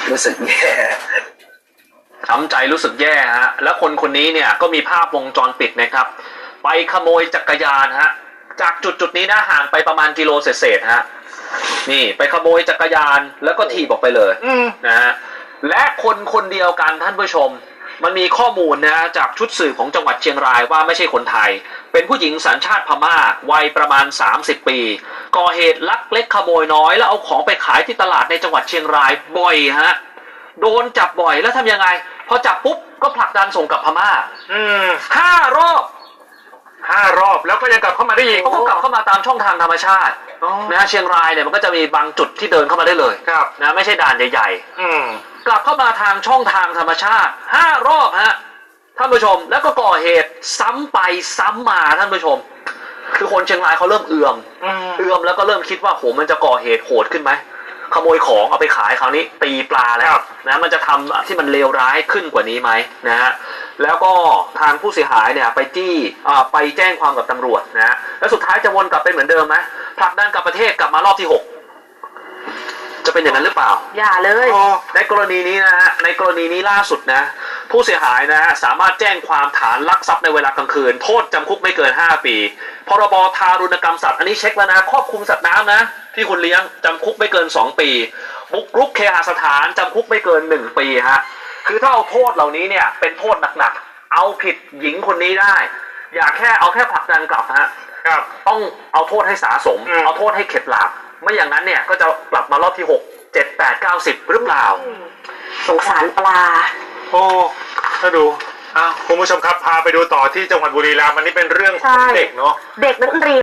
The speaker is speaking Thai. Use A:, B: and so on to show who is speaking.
A: รู้สึกแย่
B: ช้ำใจรู้สึกแย่ฮะแล้วคนนี้เนี่ยก็มีภาพวงจรปิดนะครับไปขโมยจักรยานฮะจากจุดนี้นะห่างไปประมาณกิโลเศษฮะนี่ไปขโมยจักรยานแล้วก็ถีบออกไปเลยนะฮะและคนเดียวกันท่านผู้ชมมันมีข้อมูลนะจากชุดสืบของจังหวัดเชียงรายว่าไม่ใช่คนไทยเป็นผู้หญิงสัญชาติพม่าวัยประมาณ30 ปีก่อเหตุลักเล็กขโมยน้อยแล้วเอาของไปขายที่ตลาดในจังหวัดเชียงรายบ่อยฮะโดนจับบ่อยแล้วทำยังไงพอจับปุ๊บก็ผลักดันส่งกลับพม่า5 รอบ
C: แล้วก็ยังกลับเข้ามาได้อีก
B: เขาก็กลับเข้ามาตามช่องทางธรรมชาตินะเชียงรายเนี่ยมันก็จะมีบางจุดที่เดินเข้ามาได้เลยนะไม่ใช่ด่านใหญ่ๆกลับเข้ามาทางช่องทางธรรมชาติ5 รอบฮะท่านผู้ชมแล้วก็ก่อเหตุซ้ำไปซ้ำมาท่านผู้ชมคือคนเชียงรายเขาเริ่มเอื่อมแล้วก็เริ่มคิดว่าโหมันจะก่อเหตุโหดขึ้นไหมขโมยของเอาไปขายคราวนี้ตีปลาแล้วนะมันจะทำที่มันเลวร้ายขึ้นกว่านี้ไหมนะฮะแล้วก็ทางผู้เสียหายเนี่ยไปแจ้งความกับตำรวจนะแล้วสุดท้ายจะวนกลับไปเหมือนเดิมไหมผลักดันกลับประเทศกลับมารอบที่6จะเป็นอย่างนั้นหรือเปล่า
D: อย่าเลย
B: ในกรณีนี้นะฮะในกรณีนี้ล่าสุดนะผู้เสียหายนะฮะสามารถแจ้งความฐานลักทรัพย์ในเวลากลางคืนโทษจำคุกไม่เกิน5 ปีพรบทารุณกรรมสัตว์อันนี้เช็คแล้วนะครอบคลุมสัตว์น้ำนะที่คุณเลี้ยงจำคุกไม่เกิน2 ปีบุกรุกเคหสถานจำคุกไม่เกิน1 ปีฮะคือถ้าเอาโทษเหล่านี้เนี่ยเป็นโทษหนักๆเอาผิดหญิงคนนี้ได้อย่าเอาแค่ผลักดันกลับฮะต้องเอาโทษให้สาสมเอาโทษให้เข็ดหลาบไม่อย่างนั้นเนี่ยก็จะกลับมารอบที่6 7 8 9 10หรือเปล่า
D: สงสารปลา
C: ถ้าดูคุณผู้ชมครับพาไปดูต่อที่จังหวัดบุรีรัมย์อันนี้เป็นเรื่องของเด็กเนาะ
D: เด็กนักเรียน